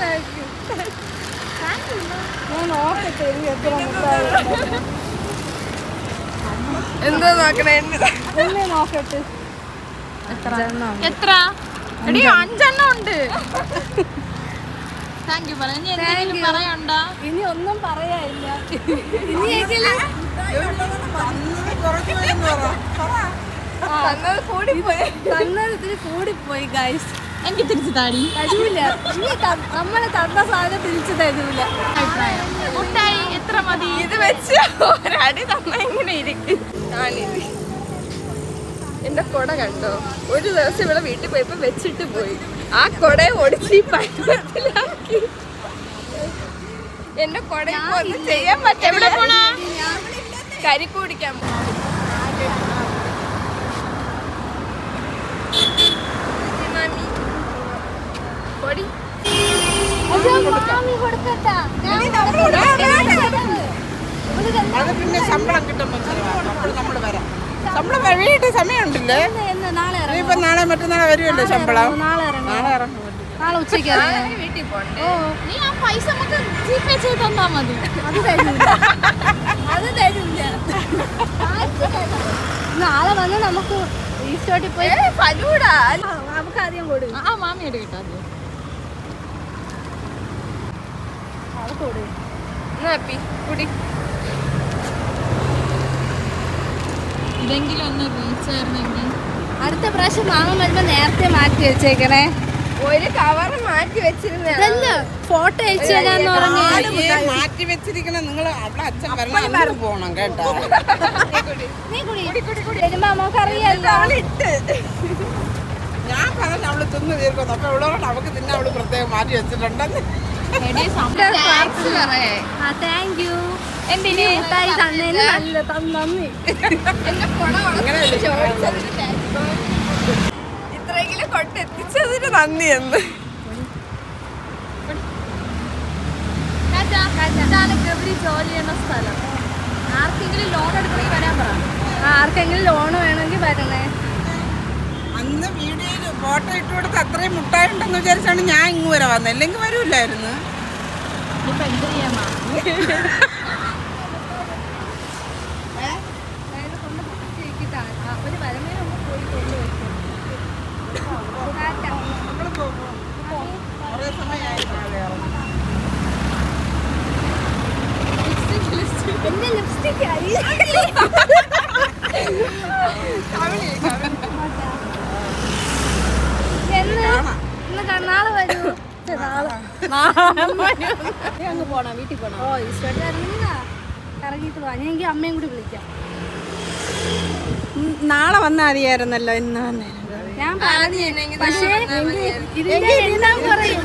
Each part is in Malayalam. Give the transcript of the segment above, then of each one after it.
എന്താ നോക്കണേ? നോക്കട്ടെ. എത്ര? എടി 5 എണ്ണം ഉണ്ട്. താങ്ക് യു പറയണ്ട. ഇനി ഒന്നും പറയാനില്ല. തന്നതിന് കൂടിപ്പോയി ഗൈസ്. എനിക്ക് തിരിച്ചു തരൂല. നമ്മളെ തന്ന സാധനം തിരിച്ചു തരൂല. മുട്ടായി എത്ര മതി? ഇത് വെച്ച് ഒരടി തന്ന ഇങ്ങനെ ഇരിക്കും. എന്റെ കൊട കണ്ടോ? ഒരു ദിവസം ഇവിടെ വീട്ടിൽ പോയപ്പോ വെച്ചിട്ട് പോയി. ആ കൊടയെ ഒടിച്ച് ഈ പരുവത്തിലാക്കി. എന്റെ കൊടയൊക്കെ ഒന്നും ചെയ്യാൻ പറ്റില്ല. കരിക്ക് കുടിക്കാൻ പൊടി പിന്നെ ശമ്പളം കിട്ടുമ്പോ നമ്മള് വരാം. ശമ്പളം വഴിയിട്ട് സമയമുണ്ടല്ലേ? ഇപ്പൊ നാളെ മറ്റന്നാളെ വരുമല്ലോ ശമ്പളം. നാളെ ഇറങ്ങും. നാളെ ഉച്ചയ്ക്ക് വീട്ടിൽ പോകണ്ടേ? നീ ആ പൈസ നമുക്ക് ജിപേ ചെയ്ത് തന്നാ മതി. അത് തരില്ല. നാളെ വന്ന് നമുക്ക് ഈസ്റ്റോട്ടിൽ പോയി ഫലൂടാ നമുക്ക് ആദ്യം കൊടുക്കും. ആ മാമിയോട് കിട്ടാ കുടി. ഇതെങ്കിലും ഒന്ന് റീച്ചായിരുന്നെങ്കിൽ. അടുത്ത പ്രാവശ്യം മാമൻ വരുമ്പോ നേരത്തെ മാറ്റി വെച്ചേക്കണേ. ഒരു കവറ് മാറ്റി വെച്ചിരുന്ന ഫോട്ടോ അയച്ചു തരാന്ന് പറഞ്ഞു. മാറ്റി വെച്ചിരിക്കണ നിങ്ങൾ അവിടെ അച്ഛൻ വരണം പോണം കേട്ടോ. വരുമ്പോ നമുക്കറിയാലോ. ഞാൻ പറഞ്ഞു അവള് തിന്ന് തീർക്കുന്നു. അപ്പൊ ഇവളോട് അവക്ക് തിന്നെ അവള് പ്രത്യേകം മാറ്റി വെച്ചിട്ടുണ്ടെന്ന്. ഇത്രയെങ്കിലും കൊണ്ടെത്തിച്ചതിന് നന്ദി എന്ന്. ജോലി ചെയ്യുന്ന സ്ഥലം. ആർക്കെങ്കിലും ലോൺ എടുക്കണമെങ്കിൽ വരാൻ പറ. ആർക്കെങ്കിലും ലോൺ വേണമെങ്കിൽ വരണേ. അന്ന് വീഡിയോയിൽ ഫോട്ടോ ഇട്ട് കൊടുത്ത് അത്രയും മുട്ടായിട്ടുണ്ടെന്ന് വിചാരിച്ചാണ് ഞാൻ ഇങ്ങ് വരെ വന്നത്. അല്ലെങ്കിൽ വരൂല്ലായിരുന്നു. ഇപ്പൊ എന്ത് ചെയ്യാമാ? എന്റെ ലിപ്സ്റ്റിക് ആയി. നാളെ വരൂ. അങ്ങ് പോണം, വീട്ടിൽ പോണം. ഓ ഈസ്റ്റോട്ട് ഇറങ്ങിയിട്ട് പോവാ. ഞാൻ എനിക്ക് അമ്മയും കൂടി വിളിക്കാം. നാളെ വന്നാൽ മതിയായിരുന്നല്ലോ. ഇന്ന് ഞാൻ പറഞ്ഞു. പക്ഷേ ഇതിന്റെ എല്ലാം പറയും.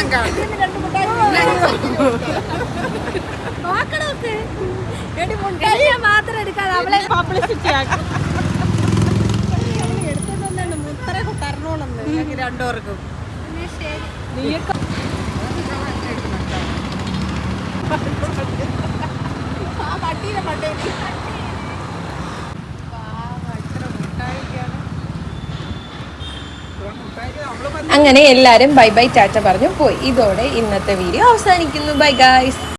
നോക്കണോക്ക് മാത്രം എടുക്കാതെ അവളെ പബ്ലിസിറ്റി ആക്കും. എടുത്തോണ്ടാണ് മുത്തറൊക്കെ തരണോളന്ന് ഞങ്ങൾക്ക് രണ്ടുപേർക്കും. നീയൊക്കെ അങ്ങനെ എല്ലാരും ബൈ ബൈ ടാറ്റ പറഞ്ഞു പോയി. ഇതോടെ ഇന്നത്തെ വീഡിയോ അവസാനിക്കുന്നു. Bye guys.